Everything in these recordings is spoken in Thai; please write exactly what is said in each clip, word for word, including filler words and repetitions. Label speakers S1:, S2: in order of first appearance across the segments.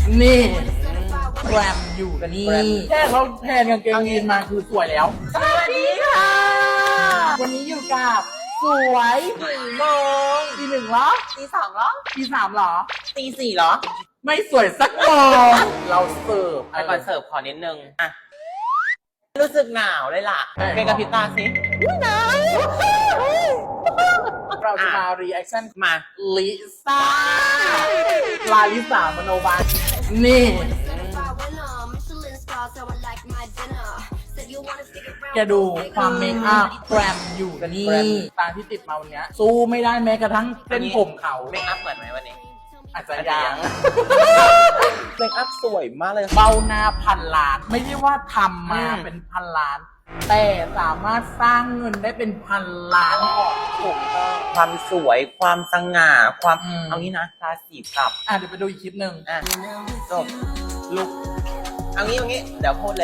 S1: นี่แกรมอยู่กันนี่แค่เขาแพนกางเกงยีนมาคือสวยแล้วสวัสดีค่ะวันนี้อยู่กับสวยหนึ่งโมงตีหนึ่งเหรอ
S2: ตีสองเหรอ
S1: ตีสามเหรอ
S2: ตีสี่เหรอ
S1: ไม่สวยสักโมงเราเสิร์ฟ
S2: ไปก่อนเสิร์ฟขอนิดนึงอ่ะรู้สึกหนาวเลยล่ะเพลงกับพิตาสิหนาว
S1: เราจะมารีแอคชั่น
S2: มา
S1: ลิซ่าลาลิสามโนบาลนี่แกดูความเมคอัพแกรมอยู่กันนี่ตาที่ติดมาวันนี้สู้ไม่ได้แม้กระทั่งเส้นผมเขา
S2: เมคอัพเหมือนไหมวันนี้
S1: อาจจะยัง
S2: เมคอัพสวยมากเลย
S1: เบ้าหน้าพันล้านไม่ใช่ว่าทำมาเป็นพันล้าน แต่สามารถสร้างเงินได้เป็นพันล้านออก
S2: ถูกต้องความสวยความสง่าความ
S1: อืม
S2: เอางี้นะราศีกลับ
S1: อ่ะเดี๋ยวไปดูอีกคลิปหนึ่ง
S2: อ่ะจบลุกเอางี้เอางี้เดี๋ยวพูดเลย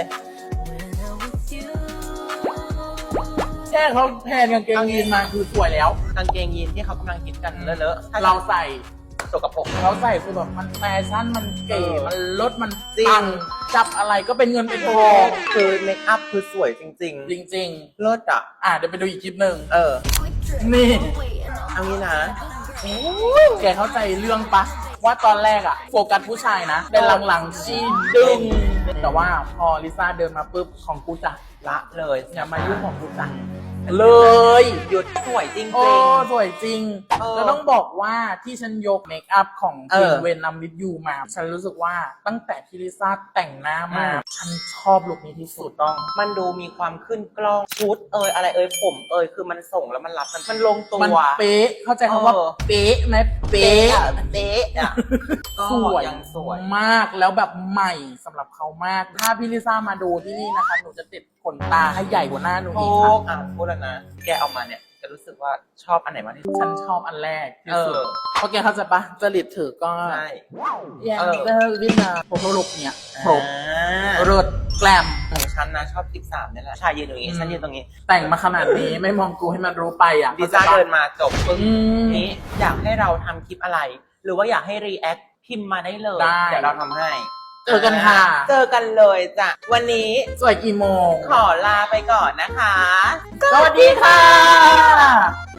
S1: แค่เขาแพนกางเกงยีนมาคือสวยแล้ว
S2: กางเกงยีนที่เขากำลังฮิตกันเลอะๆ
S1: เราใส่
S2: สกปรก
S1: เขาใส่คือแบบมันแฟชั่นมันเก๋
S2: เออ
S1: มันลดมัน
S2: จริง
S1: ปังจับอะไรก็เป็นเงินเป็นทอง
S2: คือเมคอัพคือสวยจริง
S1: จริง
S2: ๆเลิศอ่ะ
S1: ๆอ่ะเดี๋ยวไปดูอีกคลิปหนึ่ง
S2: เออ
S1: นี่
S2: เอางี้นะ
S1: แกเข้าใจเรื่องปะว่าตอนแรกอะโฟกัสผู้ชายนะแต่หลังๆชีดึง แต่ว่าพอลิซ่าเดินมาปุ๊บของกูจ้ะ
S2: ละเลย
S1: อย่ามายุ่งของกูจ้ะเลย
S2: หยุดสวยจริง
S1: โอ้
S2: ๆ
S1: สวยจริง
S2: เออ
S1: แล้วต้องบอกว่าที่ฉันยกเมคอัพของ
S2: เอ
S1: คิ
S2: อ
S1: งเวนนัมวิดยูมา ฉันรู้สึกว่าตั้งแต่ที่ลิซ่าแต่งหน้ามา
S2: อืม
S1: ฉันชอบลุคนี้ที่สุ
S2: ถู
S1: ด
S2: กต้อง มันดูมีความขึ้นกล้องชุดเอยอะไรเอยผมเอยคือมันส่งแล้วมันรับมันมันลงตัว
S1: มันเป๊ะ เข้าใจคำว่า
S2: เออ
S1: เป๊ะไหมเป๊
S2: เป๊ะ
S1: ะ
S2: อะเป๊ะอะก็
S1: สวย
S2: ยังสวย
S1: มากแล้วแบบใหม่สำหรับเขามาก ถ้าพี่ลิซ่ามาดูที่นี่นะคะ หนูจะติดขนตาให้ใหญ่กว่าหน้าหนู
S2: โอ้
S1: อีกค่ะ
S2: อ่ะพูดแล้วนะ แกเอามาเนี่ยจะรู้สึกว่าชอบอันไหนมากที่สุด
S1: ฉันชอบอันแรกที่สุด
S2: เออ
S1: เพราะแกเข้าใจปะจริตถือก็
S2: ใช่
S1: ยัง
S2: เออ
S1: เจอวินาโฟโต้ลุกเนี่ยครบ
S2: อ่า
S1: เริดแกลม
S2: ของฉันนะชอบคลิปสามนี่แหละชายยืนตรงนี้
S1: อืม
S2: ฉันยืนตรงนี้
S1: แต่งมาขนาดนี้ไม่มองกูให้มันรู้ไปอ่ะ
S2: ดิซ่าเดินมาจบปึ้ง
S1: อืม
S2: นี้อยากให้เราทำคลิปอะไร หรือว่าอยากให้รีแอคพิมพ์มาได้เลย
S1: ได้
S2: เดี๋ยวเราทำให้
S1: เจอกันค่ะ
S2: เจอกันเลยจ้ะวันนี้
S1: สวยกี่โมง
S2: ขอลาไปก่อนนะคะ
S1: สวัสดีค่ะ